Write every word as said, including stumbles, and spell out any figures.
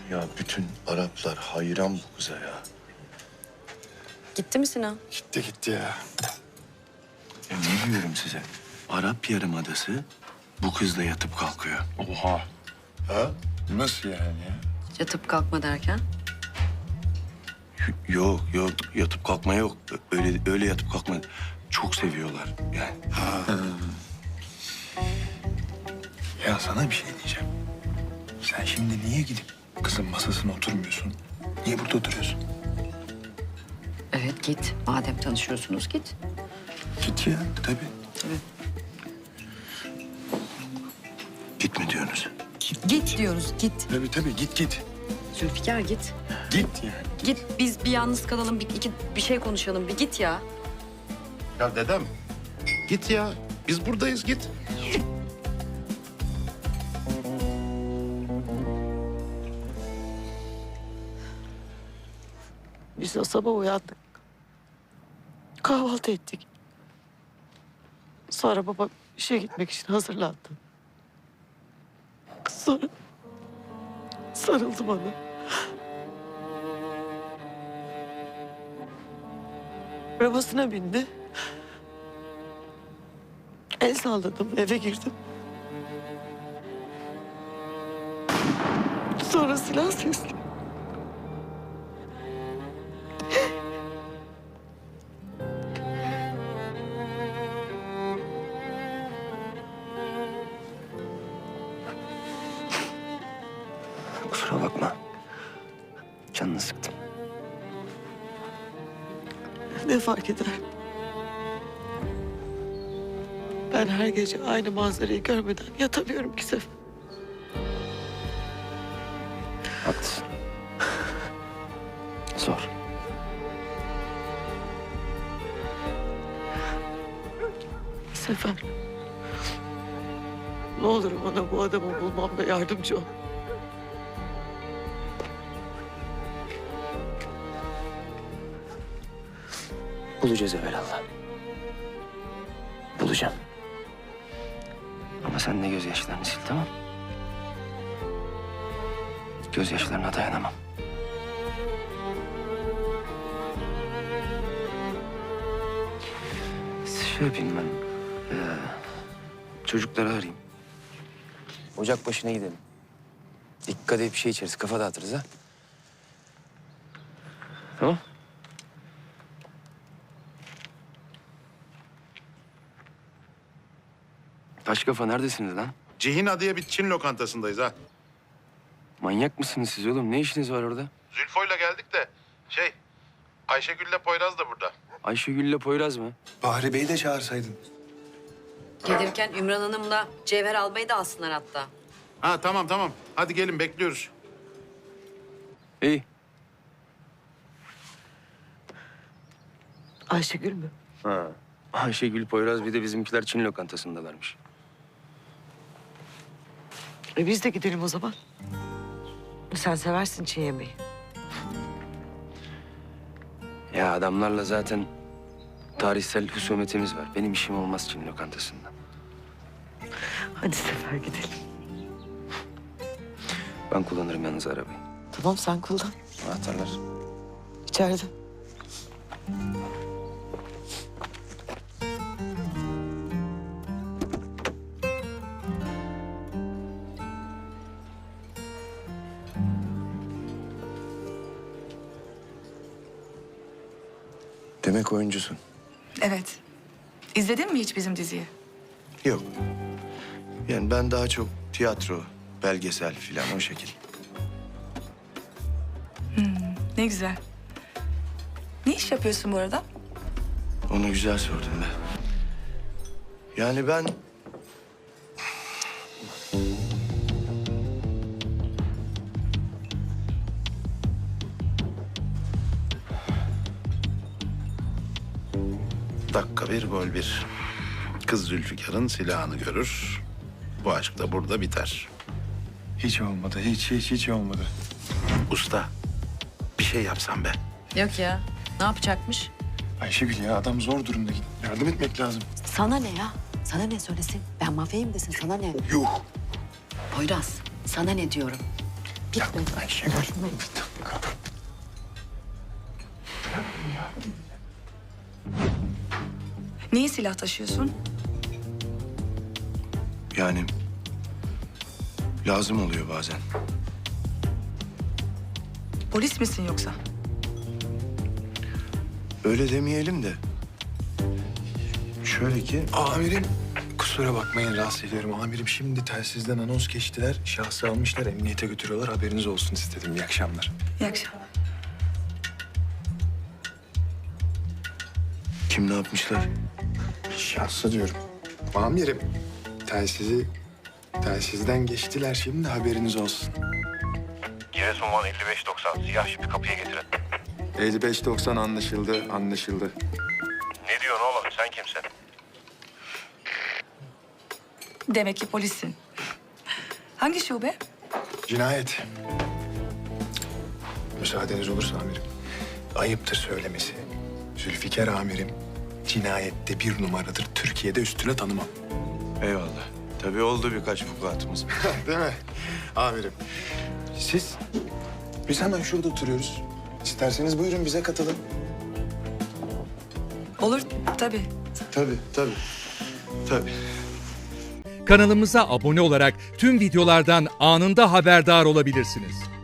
Ya bütün Araplar hayran bu kıza ya. Gitti mi Sinan? Gitti gitti ya. Ya ne diyorum size? Arap Yarımadası bu kızla yatıp kalkıyor. Oha. Ha? Nasıl yani ya? Yatıp kalkma derken? Y- Yok yok yatıp kalkma yok. Öyle öyle yatıp kalkma. Çok seviyorlar yani. Ya sana bir şey diyeceğim. Sen şimdi niye gidip kızın masasına oturmuyorsun? Niye burada oturuyorsun? Evet git. Madem tanışıyorsunuz git. Git ya tabii. Tabii. Git mi diyorsunuz? Git diyoruz git. Tabii tabii git git. Zülfikar git. Git yani. Git biz bir yalnız kalalım bir, iki, bir şey konuşalım bir git ya. Ya dedem git ya. Biz buradayız git. Biz de sabah uyandık. Kahvaltı ettik. Sonra baba işe gitmek için hazırlandı. Sonra sarıldı bana. Arabasına bindi. El salladım, eve girdim. Sonra silah sesli. Kusura bakma. Canını sıktım. Ne fark eder? Ben her gece aynı manzarayı görmeden yatamıyorum ki Sefer. Haklısın. Zor. Sefer. Ne olur bana bu adamı bulmamda yardımcı ol. Bulacağız evvelallah. Bulacağım. Ama sen de gözyaşlarını sil, tamam mı? Gözyaşlarına dayanamam. Şey yapayım ben. Ee, çocukları arayayım. Ocak başına gidelim. Dikkat edip bir şey içeriz. Kafa dağıtırız ha. Tamam. Taş kafa neredesiniz lan? Cihina diye bir Çin lokantasındayız ha. Manyak mısınız siz oğlum? Ne işiniz var orada? Zülfo'yla geldik de şey Ayşegül'le Poyraz da burada. Ayşegül'le Poyraz mı? Bahri Bey'i de çağırsaydın. Gelirken Ümran Hanım'la Cevher almayı da alsınlar hatta. Ha tamam tamam. Hadi gelin bekliyoruz. İyi. Ayşegül mü? Ha. Ayşegül, Poyraz bir de bizimkiler Çin lokantasındalarmış. E biz de gidelim o zaman. Sen seversin Çin yemeği. Ya adamlarla zaten tarihsel husumetimiz var. Benim işim olmaz Çin lokantasında. Hadi Sefer gidelim. Ben kullanırım yalnız arabayı. Tamam sen kullan. Anahtarlar. İçeride. Demek oyuncusun. Evet. İzledin mi hiç bizim diziyi? Yok. Yani ben daha çok tiyatro, belgesel filan o şekil. Ne güzel. Ne iş yapıyorsun bu arada? Onu güzel sordun be. Yani ben... Dakika bir gol bir. Kız Zülfikar'ın silahını görür. Bu aşk da burada biter. Hiç olmadı. Hiç hiç hiç olmadı. Usta bir şey yapsam be. Yok ya. Ne yapacakmış? Ayşegül ya adam zor durumda. Yardım etmek lazım. Sana ne ya? Sana ne söylesin? Ben mafyayım desin sana ne? Yuh. Poyraz sana ne diyorum? Gitme. Ayşegül. Niye silah taşıyorsun? Yani lazım oluyor bazen. Polis misin yoksa? Öyle demeyelim de. Şöyle ki... Amirim, kusura bakmayın rahatsız ediyorum. Amirim şimdi telsizden anons geçtiler. Şahsı almışlar, emniyete götürüyorlar. Haberiniz olsun istedim. İyi akşamlar. İyi akşamlar. Kim ne yapmışlar? Şahsı diyorum. Amirim, telsizi... Telsizden geçtiler şimdi haberiniz olsun. Giresun Van elli beş doksan siyah şipi kapıya getirin. elli beş doksan anlaşıldı, anlaşıldı. Ne diyorsun oğlum sen kimsin? Demek ki polissin. Hangi şube? Cinayet. Müsaadeniz olursa amirim. Ayıptır söylemesi. Zülfikar amirim cinayette bir numaradır. Türkiye'de üstüne tanımam. Eyvallah. Tabii oldu birkaç vukuatımız. Değil mi amirim? Siz? Biz hemen şurada oturuyoruz. İsterseniz buyurun bize katılın. Olur tabii. Tabii, tabii. Tabii. Kanalımıza abone olarak tüm videolardan anında haberdar olabilirsiniz.